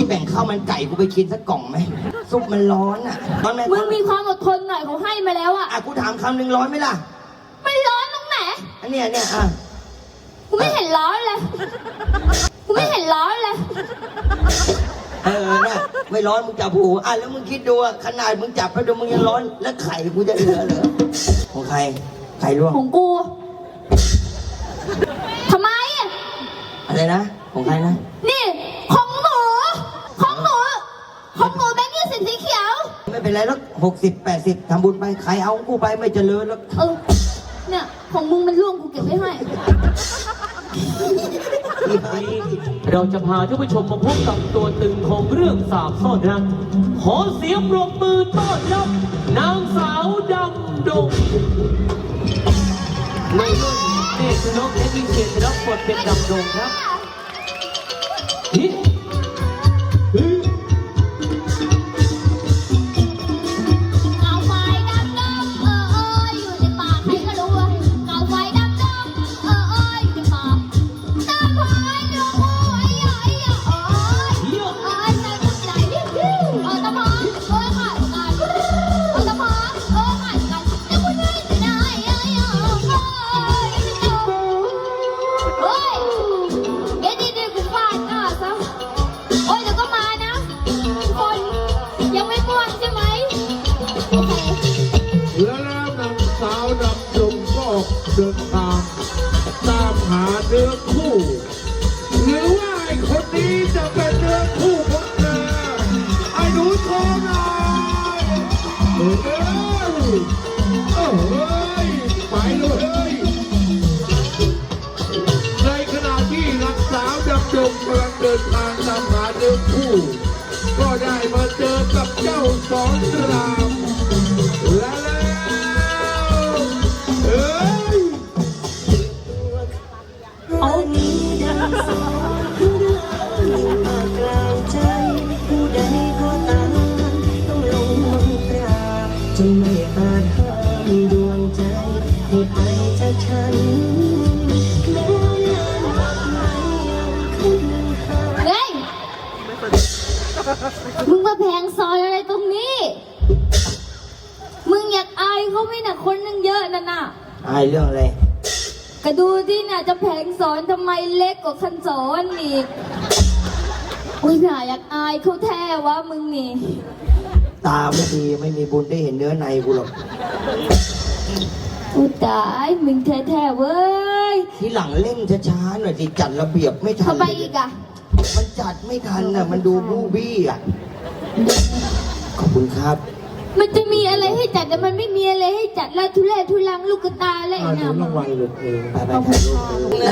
แบ่งข้าวมันไก่กูไปกินสักกล่องไหมซุปมันร้อนอ่ะร้อนไหมมึงมีความอดทนหน่อยเขาให้มาแล้วอะกูถามคำหนึ่งร้อนไหมล่ะไม่ร้อนตรงไหนอันเนี้ยอ่ะกูไม่เห็นร้อนเลยกูไม่เห็นร้อนเลยเนี่ยไม่ร้อนมึงจับหูแล้วมึงคิดดูขนาดมึงจับแล้วดูมึงยังร้อนแล้วไข่กูจะเหลือเหรอของใครไข่ลวกของกูทำไมอะอะไรนะของใครนะนี่ของหนูของหนูของหนูแบงค์20สีเขียวไม่เป็นไรแล้ว60-80ทำบุญไปใครเอาของกูไปไม่เจริญแล้วเนี่ยของมึงมันร่วงกูเก็บไว้ให้เราจะพาท่านผู้ชมมาพบกับตัวตึงของเรื่องสาบซ่อนรักขอเสียงปรบมือต้อนรับนางสาวดำดงในรุ่นเนตรชนกและวิเชียรรับบทเป็นดำดงครับเกาไฟดำอยู่ในป่าใครก็รู้ว่าเกาไฟดำอยู่ในป่าตาพายดวงหัวใหญ่ใจบุญใจตาพายขาดกันตาพายขาดกันจะพูดยังไงได้เฮ้ยเดี๋ยวดีๆกูฟาดหน้าซะโอ้ยเดี๋ยวก็มานะคนยังไม่ม่วงใช่ไหมโอเคและแล้วนางสาวดำดงก็เดินทางตามหาเนื้อคู่ หรือว่าไอ้คนนี้จะเป็นเนื้อคู่ของเธอไอ้หนูทองนายเฮ้ยไปเลยในขณะที่นางสาวดำดงกำลังเดินทางตามหาเนื้อคู่ ก็ได้มาเจอกับเจ้าสอนรามและแล้วเอานี้ดังสอนมากลางใจผู้ใดก็ตามต้องลงมนตราจนไม่อาจห้ามดวงใจให้ไปจากฉันแม้นานมากไหมยังขึ้นหาเฮ้ย มึงมาแพงซอยอะไรตรงนี้ มึงอยากอายเขาไหมน่ะคนนึงเยอะนั่นน่ะอายเรื่องอะไรก็ดูที่น่ะจะแผงสอนทำไมเล็กกว่าคันสอนอีก อุ้ยน่าอยากอายเขาแท้วะมึงนี่ตาไม่ดีไม่มีบุญได้เห็นเนื้อในกูหรอกอุยตายมึงแท้ๆเว้ยทีหลังเล่นช้าๆหน่อยสิจัดระเบียบไม่ทันทำไมอีกอะมันจัดไม่ทันมันดูบูบี้ขอบคุณครับมันจะมีอะไรให้จัดแต่มันไม่มีอะไรให้จัดแล้วทุเรศทุลังลูกกระตาอะไรหนูเนี่ยรางวัลเลยไปถ่ายรูป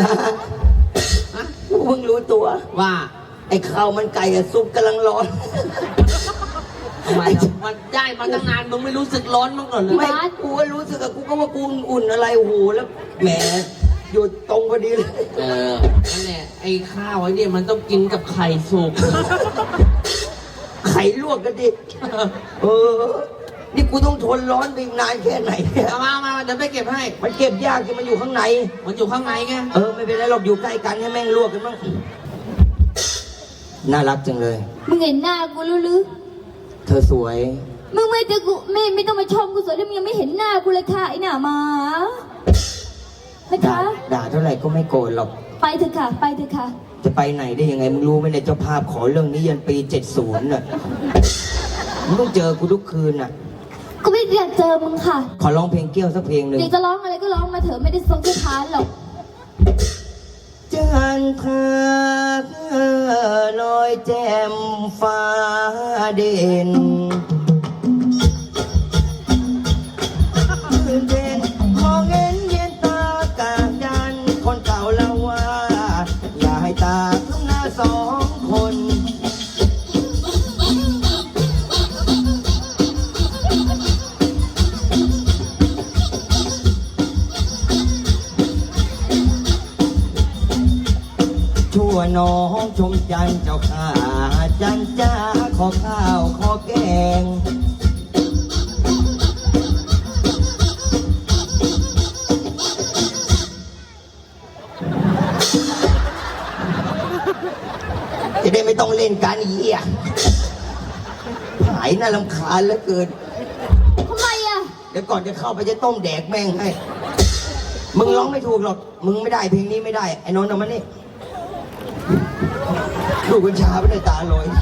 กูเพิ่งรู้ตัวว่า ไอ้ข้าวมันไก่กับซุปกำลังร้อนทำไมมันได้มาตั้งนานมึงไม่รู้สึกร้อนมั้งก่อนเลยไม่กูก็รู้สึกกูก็ว่ากูอุ่นอะไรโอ้โหแล้วแหมอยู่ตรงพอดีเลยนั่นแหละไอ้ข้าวไอ้เนี่ยมันต้องกินกับไข่สุกไข่ลวกกันดินี่กูต้องทนร้อนไปอีกนานแค่ไหนเนี่ยมาเดี๋ยวไปเก็บให้มันเก็บยากที่มันอยู่ข้างในมันอยู่ข้างในไงไม่เป็นไรหรอกอยู่ใกล้กันให้แม่งลวกกันบ้างน่ารักจังเลยมึงเห็นหน้ากูรู้หรือเธอสวยมึงไม่จะกูไม่ต้องมาชมกูสวยถ้ามึงยังไม่เห็นหน้ากูเลยค่ะไอ้หน้าหมานะด่าคะด่าเท่าไหร่ก็ไม่โกรธหรอกไปเถอะค่ะไปเถอะค่ะจะไปไหนได้ยังไงมึงรู้ไหมเนี่ยเจ้าภาพขอเรื่องนี้ยันปี70น่ะมึงต้องเจอกูทุกคืนน่ะกูไม่อยากเจอมึงค่ะขอร้องเพลงเกี้ยวสักเพลงหนึ่งอยากจะร้องอะไรก็ร้องมาเถอะไม่ได้ทรงจะทานหรอกจันทราลอยแจ่มฟ้าเด่นเด่นมองเห็นเย็นตากาจันคนเก่าเล่าว่า อย่าให้ตาทุ่งหน้าสองคน ชั่วน้องชมจันเจ้าข้าจันจ้าขอข้าวขอแกงจะได้ไม่ต้องเล่นการอีอ่ะหายน่ารำคาญเหลือเกินทำไมอ่ะเดี๋ยวก่อนจะเข้าไปจะต้มแดกแม่งให้ มึงร้องไม่ถูกหรอก มึงไม่ได้เพลงนี้ไม่ได้ ไอ้นนท์เอามานี่ดูกัญชาไม่ได้ตาลอย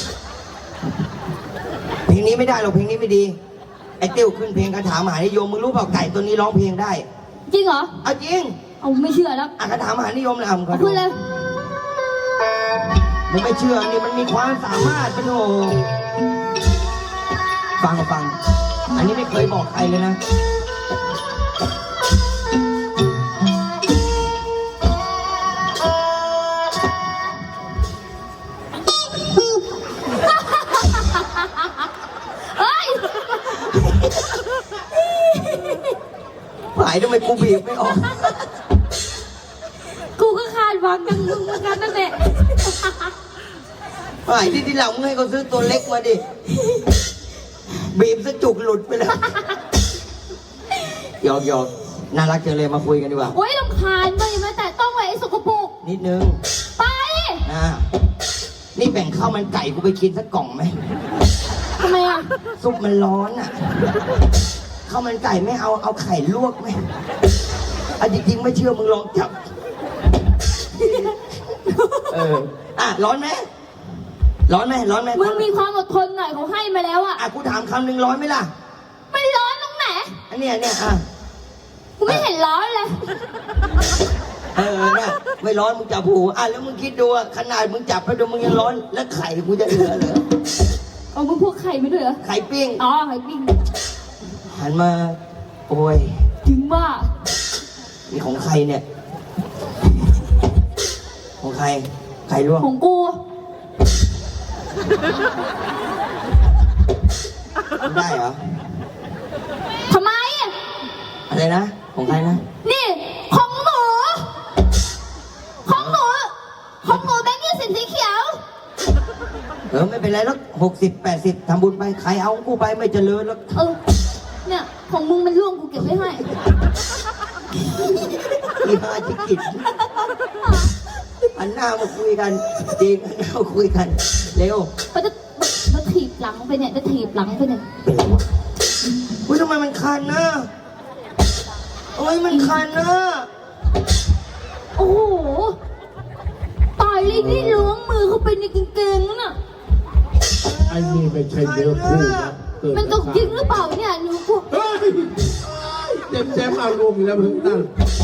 เพลงนี้ไม่ได้หรอกเพลงนี้ไม่ดี ไอ้เตี้ยวขึ้นเพลงคาถามหานิยม มึงรู้เปล่าไก่ตัวนี้ร้องเพลงได้จริงเหรอเอาจริงเอาไม่เชื่อแล้วคาถามหานิยมเลยมึงเอาขึ้นเลยมึงไม่เชื่อนี่มันมีความสามารถปะโถฟัง อันนี้ไม่เคยบอกใครเลยนะเฮ้ยหายทำไมกูบีบไม่ออกกูก็คาดหวังกับมึงเหมือนกันนั่นแหละหายที่หลังมึงให้เขาซื้อตัวเล็กมาดิ บีบสะจุกหลุดไปแล้วหยอกน่ารักจังเลยมาคุยกันดีกว่าโอ๊ยรำคาญมึงมาแต่ต้องไว้ไอ้สกปรกนิดนึงไปนะนี่แบ่งข้าวมันไก่กูไปกินสักกล่องไหมทำไมอ่ะซุปมันร้อนอ่ะข้าวมันไก่ไม่เอาไข่ลวกไหมอ่ะจริงๆไม่เชื่อมึงลองจับ ร้อนไหมร้อนไหมมึงมีความอดทนหน่อยเขาให้มาแล้วอ่ะกูถามคำหนึ่งร้อนไหมล่ะมันร้อนตรงไหนอันเนี้ยกูไม่เห็นร้อนเลยเนี่ยไม่ร้อนมึงจับหูแล้วมึงคิดดูอ่ะขนาดมึงจับไปดูมึงยังร้อนแล้วไข่กูจะเหลือเหรอเอามึงพวกไข่ไม่ด้วยเหรอไข่ปิ้งอ๋อไข่ปิ้งหันมาโอ้ยถึงว่านี่ของใครเนี่ย ของใครไข่ลวกของกูได้เหรอทำไมอ่ะอะไรนะของใครนะนี่ของหนูของหนูของหนูแบงค์20สีเขียวไม่เป็นไรแล้ว60-80ทำบุญไปใครเอาของกูไปไม่เจริญแล้วเนี่ยของมึงมันร่วงกูเก็บไว้ให้อีห้าจิกิจอันหน้ามาคุยกันจริงอันหน้ามาคุยกันเร็วมันจะถีบหลังไปเนี่ยจะถีบหลังไปเนี่ยเป็นไรวะอุ้ยทำไมมันคันนะโอ้ยมันคันนะโอ้โหตายเลยนี่ล้วงมือเข้าไปในกางเกงน่ะไอ้นี่ไม่ใช่เนื้อคู่นะเกิดมันตกจริงหรือเปล่าเนี่ยหนูพวกเฮ้ยเจ็บเอารวมแล้วมึงนั่น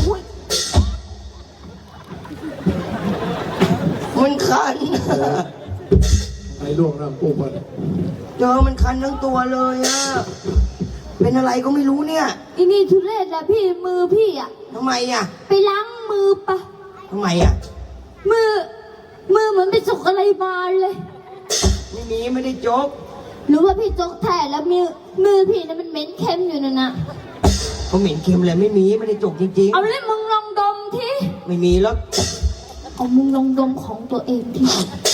มันคันไอ้ล่วงน้ำปูมันเจอมันคันทั้งตัวเลยอะเป็นอะไรก็ไม่รู้เนี่ยอีนี่ทุเรศแหละพี่มือพี่อ่ะทำไมอะไปล้างมือปะทำไมอะมือเหมือนไปจกอะไรมาเลยไม่ได้โจ๊กหรือว่าพี่จกแท้แล้วมือพี่น่ะมันเหม็นเค็มอยู่นั่นน่ะเขาเหม็นเค็มเลยไม่ได้โจกจริงเอาเลยมึงลองดมทีๆไม่มีแล้วเอามึงลองดมของตัวเองที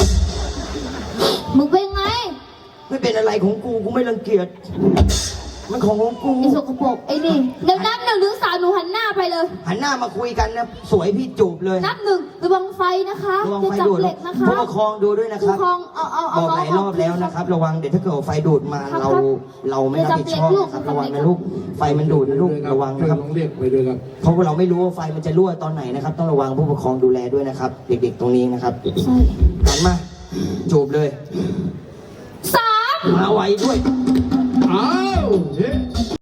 มึงเป็นไงไม่เป็นอะไรของกูไม่รังเกียจมันของกูไอ้สกปรกไอ้นี่เดี๋ยวนับ1 ถึง 3หนูหันหน้าไปเลยหันหน้ามาคุยกันนะสวยพี่จูบเลยนับ1ระวังไฟนะคะระวังจะไฟจับดูดเหล็กนะคะผู้ปกครองดูด้วยนะคผู้รับครองเอาบอกหลายรอบแล้วนะครับ ระวังเดี๋ยวถ้าเกิดไฟดูดมาครับเราไม่รับผิดชอบนะครับระวังนะลูกไฟมันดูดนะลูกระวังนะครับต้องเรียกไปด้วยครับเพราะว่าเราไม่รู้ว่าไฟมันจะรั่วตอนไหนนะครับ ต้องระวังผู้ปกครองดูแลด้วยนะครับ เด็กๆตรงนี้นะครับใช่หันมาจูบเลย 3 มาไวด้วยอ้าวเฮ้